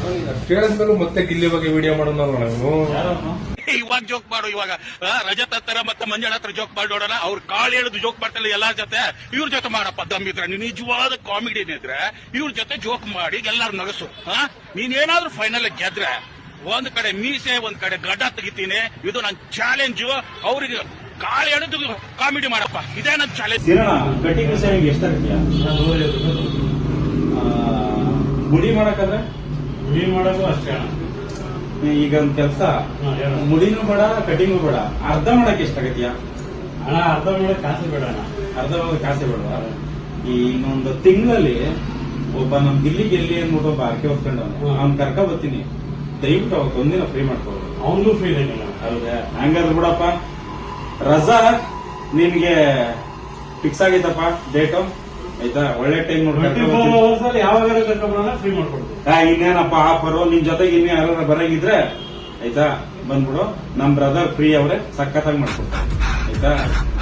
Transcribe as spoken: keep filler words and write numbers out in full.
ಕೇಳಿದ್ಮೇಲೆ ಮತ್ತೆ ಗಿಲ್ಲಿ ಬಗ್ಗೆ ವಿಡಿಯೋ ಮಾಡೋಣ ನಾವು. ಇವಾಗ ಜೋಕ್ ಮಾಡು, ಇವಾಗ ರಜತ್ ಹತ್ರ ಮತ್ತೆ ಮಂಜಳ ಹತ್ರ ಜೋಕ್ ಮಾಡಿ ನೋಡೋಣ. ಅವ್ರು ಕಾಳು ಹೇಳುದು ಜೋಕ್ ಮಾಡ್ತಾರೆ ಎಲ್ಲಾರ ಜೊತೆ. ಇವ್ರ ಜೊತೆ ಮಾಡಪ್ಪ ದಮ್ಮಿದ್ರೆ, ನೀನ್ ನಿಜವಾದ ಕಾಮಿಡಿ ಇದ್ರೆ ಇವ್ರ ಜೊತೆ ಜೋಕ್ ಮಾಡಿ ಎಲ್ಲಾರು ನಗಸು. ನೀನೇನಾದ್ರೂ ಫೈನಲ್ ಗೆದ್ರೆ ಒಂದ್ ಕಡೆ ಮೀಸೆ ಒಂದ್ ಕಡೆ ಗಡ್ಡ ತೆಗಿತೀನಿ. ಇದು ನನ್ ಚಾಲೆಂಜ್. ಅವ್ರಿಗೆ ಕಾಳು ಹೇಳುದು ಕಾಮಿಡಿ ಮಾಡಪ್ಪ, ಇದೇ ನನ್ ಚಾಲೆಂಜ್. Cutting saving ಎಷ್ಟಾಗತ್ತೀಯ? ಮುಡಿ ಮಾಡಕಂದ್ರೆ ಮುಡಿ ಮಾಡೋದು ಅಷ್ಟೇ. ಈಗ ಒಂದ್ ಕೆಲ್ಸ, ಮುಡಿನೂ ಬೇಡ ಕಟಿಂಗು ಬೇಡ, ಅರ್ಧ ಮಾಡಕ್ ಎಷ್ಟಾಗತ್ತೀಯ? ಅಣ್ಣ ಅರ್ಧ ಮಾಡಕ್ ಕಾಸೆ ಬೇಡ ಅಣ್ಣ. ಅರ್ಧ ಮಾಡಕ್ ಕಾಸೆ ಬೇಡವಾ? ಈ ಇನ್ನೊಂದು ತಿಂಗಳಲ್ಲಿ ಒಬ್ಬ ನಮ್ ಗಿಲ್ಲಿ ಗೆಲ್ಲಿ ಅಂದ್ಬಿಟ್ಟು ಒಬ್ಬ ಆರ್ಕೆ ಹೊತ್ಕೊಂಡವನು, ಅವ್ನ್ ಕರ್ಕ ಬರ್ತೀನಿ. ದಯವಿಟ್ಟು ಅವತ್ತು ಒಂದಿನ ಫ್ರೀ ಮಾಡ್ಕೋದು. ಅವನಿಗೂ ಫ್ರೀ ಇದೆ. ಹೌದಾ? ಹಂಗಾದ್ರೆ ಬಿಡಪ್ಪ, ರಜಾ ನಿನ್ಗೆ ಫಿಕ್ಸ್ ಆಗೈತಪ್ಪ ಡೇಟು. ಆಯ್ತಾ? ಒಳ್ಳೆ ಟೈಮ್ ನೋಡಿ ಯಾವಾಗ ಕರ್ಕೊಂಡ್ಬರೋಣ ಫ್ರೀ ಮಾಡ್ಕೊಡ್ತೀವಿ. ಇನ್ನೇನಪ್ಪ ಆಫರು. ನಿನ್ ಜೊತೆಗೆ ಇನ್ನು ಯಾರು ಬರಂಗಿದ್ರೆ ಆಯ್ತಾ ಬಂದ್ಬಿಡು. ನಮ್ ಬ್ರದರ್ ಫ್ರೀ ಅವ್ರೆ, ಸಖತ್ತಾಗಿ ಮಾಡ್ಕೊಡ್ತಾರೆ. ಆಯ್ತಾ?